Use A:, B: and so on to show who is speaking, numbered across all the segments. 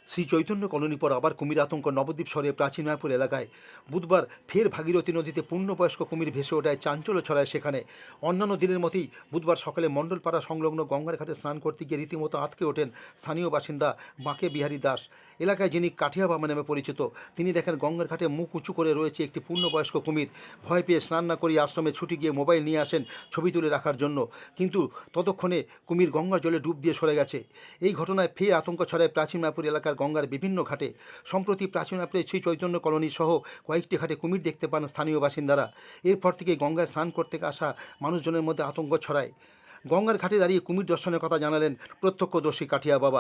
A: Shri Chaitanya colony পর আবার কুমির আতঙ্ক নবদ্বীপ শহরের প্রাচীন মায়াপুর এলাকায় বুধবার ফের ভাগীরথী নদীতে পূর্ণবয়স্ক কুমির ভেসে ওঠায় চাঞ্চল্য ছড়ায় সেখানে। অন্যান্য দিনের মতোই বুধবার সকালে মণ্ডলপাড়া সংলগ্ন গঙ্গার ঘাটে স্নান করতে গিয়ে রীতিমতো আঁতকে ওঠেন স্থানীয় বাসিন্দা বাঁকে বিহারী দাস। এলাকায় যিনি কাঠিয়া বাবা নামে পরিচিত, তিনি দেখেন গঙ্গার ঘাটে মুখ উঁচু করে রয়েছে একটি পূর্ণবয়স্ক কুমির। ভয় পেয়ে স্নান না করে আশ্রমে ছুটে গিয়ে মোবাইল নিয়ে আসেন ছবি তুলে রাখার জন্য, কিন্তু ততক্ষণে কুমির গঙ্গার জলে ডুব দিয়ে সরে গেছে। এই ঘটনায় ফের আতঙ্ক ছড়ায় প্রাচীন মায়াপুর এলাকার গঙ্গার বিভিন্ন ঘাটে। সম্প্রতি প্রাচীন মায়াপুরের শ্রী চৈতন্য কলোনি সহ কয়েকটি ঘাটে কুমির দেখতে পান স্থানীয় বাসিন্দারা। এরপর থেকে গঙ্গায় স্নান করতে আসা মানুষজনের মধ্যে আতঙ্ক ছড়ায়। গঙ্গার ঘাটে দাঁড়িয়ে কুমির দর্শনের কথা জানালেন প্রত্যক্ষদর্শী কাঠিয়া বাবা।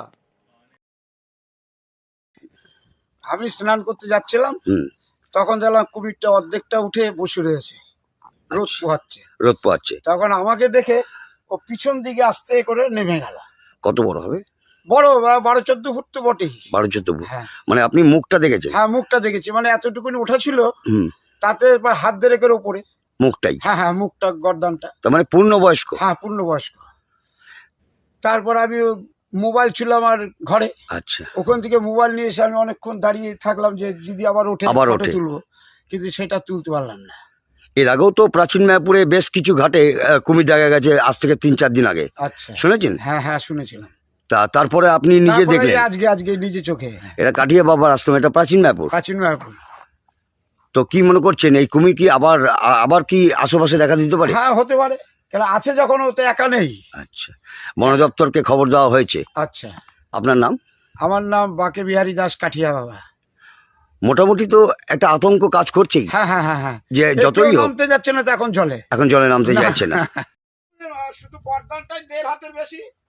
B: আমি স্নান করতে যাচ্ছিলাম, তখন দেখলাম কুমিরটা অর্ধেকটা উঠে বসে রয়েছে, রোদ পোহাচ্ছে। তখন আমাকে দেখে ও পিছন দিকে আস্তে করে নেমে গেল।
C: কত বড় হবে?
B: বড় 12-14 ফুট তো বটেই।
C: 12-14 ফুট?
B: হ্যাঁ।
C: মানে আপনি মুখটা দেখেছেন?
B: হ্যাঁ, মুখটা দেখেছি, মানে এতটুকুনি ওঠা ছিল, তাতে হাত দিয়ে রেখে ওপরে
C: মুখটাই?
B: হ্যাঁ হ্যাঁ, মুখটা, গর্দানটা।
C: তার মানে পূর্ণবয়স্ক?
B: হ্যাঁ, পূর্ণবয়স্ক। তারপর আমি মোবাইল ছিল আমার ঘরে।
C: আচ্ছা।
B: ওখান থেকে মোবাইল নিয়ে এসে আমি অনেকক্ষণ দাঁড়িয়ে থাকলাম যে যদি আবার ওঠে তুলবো, কিন্তু সেটা তুলতে পারলাম না।
C: এর আগেও তো প্রাচীন মায়াপুরে বেশ কিছু ঘাটে কুমির দেখা গেছে, আজ থেকে 3-4 দিন আগে।
B: আচ্ছা,
C: শুনেছেন?
B: হ্যাঁ হ্যাঁ, শুনেছিলাম।
C: তারপরে আপনি নিজে দেখলেন?
B: আজকে নিজে চোখে।
C: এটা কাঠিয়া বাবার আশ্রম, এটা প্রাচীন মায়াপুর?
B: প্রাচীন মায়াপুর।
C: তো কি মনে করছেন, এই কুমির কি আবার কি আশেপাশে দেখা দিতে পারে?
B: হ্যাঁ, হতে পারে, কারণ আছে যখন, ও তো একা নেই।
C: আচ্ছা, বন দপ্তরকে খবর দেওয়া হয়েছে?
B: আচ্ছা।
C: আপনার নাম?
B: আমার নাম বাঁকে বিহারী দাস, কাঠিয়া বাবা।
C: মোটামুটি তো একটা আতঙ্ক কাজ করছেই।
B: হ্যাঁ হ্যাঁ হ্যাঁ হ্যাঁ,
C: যে যতই হোক
B: নামতে যাচ্ছে না তো, এখন জলে
C: জলে নামতে যাচ্ছে না।
B: শুধু গর্দানটাই 1.5 হাতের বেশি।